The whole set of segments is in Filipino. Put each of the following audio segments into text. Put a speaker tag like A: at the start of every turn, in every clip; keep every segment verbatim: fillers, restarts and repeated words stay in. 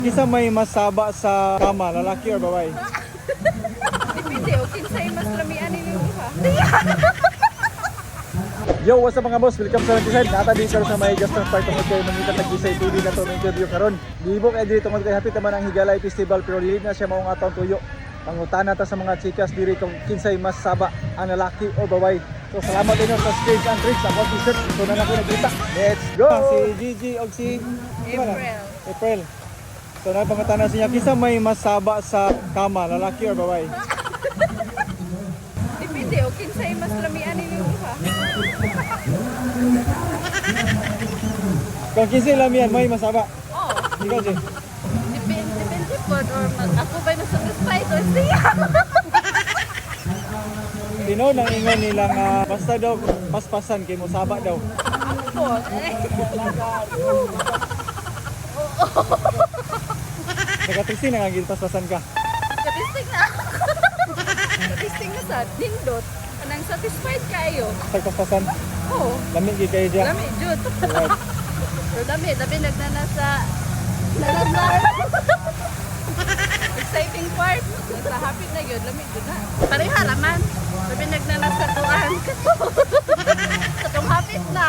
A: Kisa may masaba sa kama, lalaki or babae?
B: Depende, o kinsay mas lamian ninyo ha.
A: Yo, what's up mga boss? Welcome sa Lantisan. Nata din karon sa may Gaston Park tungod kay mangita tag-isay T V na to ng interview karon. Gibo kay diri tungod kay hapit naman ang Higalay Festival pero dili na siya maong atong tuyo. Pangutana ta sa mga chikas diri kung kinsay mas saba ang lalaki o babae. So salamat din sa Stage and Tricks ako t-shirt. Ito na ako nagkita. Let's go. Si Gigi og si
B: April.
A: April. So na pangutana sa niya kinsa may mas saba sa kama, lalaki or babae?
B: Depende, o kinsay mas lamian ninyo ha.
A: Kung kinsay lamian may masaba.
B: Oo.
A: Ikaw si.
B: Depende, depende po. Or mag- ako ba'y masatisfied or siya?
A: Tino nang ingon nila nga basta daw paspasan kay mo saba daw.
B: Ako. Eh.
A: Nagatrisi na nga gid paspasan ka.
B: Statistic na. Statistic na sa nindot. Anang satisfied kayo.
A: Sa paspasan.
B: Oo.
A: Lami gid kayo diya.
B: Dami, Jud.
A: Right.
B: Pero dami, dami nagnana sa nalasar. Exciting part. Sa happy na yun, lamig yun na. Pareha raman. Dami nagnana sa tuan. Sa tong hapit na.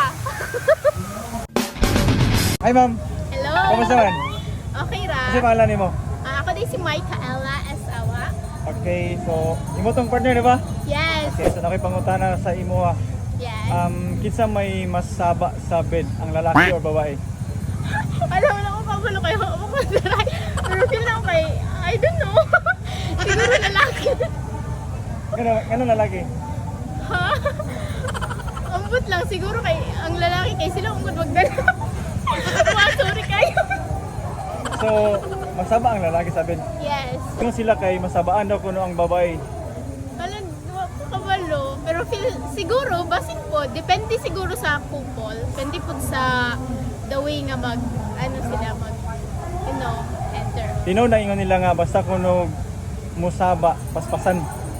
A: Hi ma'am,
B: Hello.
A: kamusta man?
B: Okay ra.
A: Kasi pangalan nimo?
B: Ah, ako din si Micaela Asawa.
A: Okay, so imo tong partner di ba?
B: Yes.
A: Okay, so nakipangutana sa imo ha.
B: Yes.
A: Um, kinsa may mas saba sa bed, ang lalaki or babae?
B: Alam mo na kung pagulo kayo. Ako mag-try. Pero feel na ako kay, I don't know. Siguro lalaki.
A: Ngano, ngano lalaki?
B: Ha? Ambot lang. Siguro kay, ang lalaki kay sila ungkod magdala. Wow, sorry kayo.
A: So, masaba ang lalaki sa bed.
B: Yes.
A: Kung sila kay masabaan daw kuno ang babae.
B: Alam, wa ko kabalo. Pero feel, siguro, basin po, depende siguro sa couple. Depende po sa the way nga mag, ano sila mag, you know, enter.
A: Tino na ingon nila nga basta kuno musaba paspasan.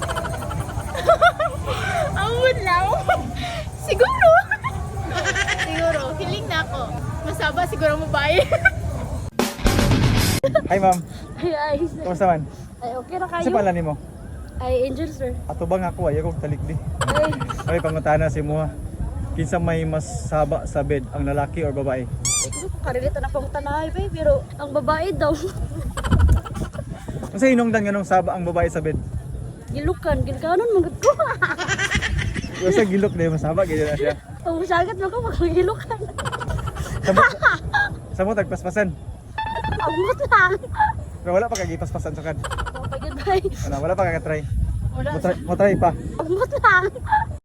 B: Ambot lang. Siguro. Siguro, feeling na ako. Masaba siguro mo ba eh?
A: Hi ma'am,
B: Ay, ay.
A: kamusta man?
B: Ay, okay na
A: Kasi pangalan nimo?
B: Ay, Angel, sir.
A: Ato bang ako ay ako talikdi.
B: Ay,
A: Okay, pangutana si mo ha. Kinsa may mas saba sa bed, ang lalaki or babae?
B: karilito na pang tanay, babe. Pero, ang babae daw.
A: Kasi hinungdan nga nung saba ang babae sa bed.
B: Gilukan, gilkanon, magod ko.
A: Kasi gilok na yung masaba, ganyan na siya.
B: Ang masagat mo ko, magilukan.
A: Sa mo, sa mo tagpaspasan.
B: Ambot lang.
A: Pero wala pa kagipaspasan sa kan.
B: Kapagod, bay.
A: Wala, wala pa kagatry.
B: Wala.
A: Mo try, mo try pa.
B: Ambot lang.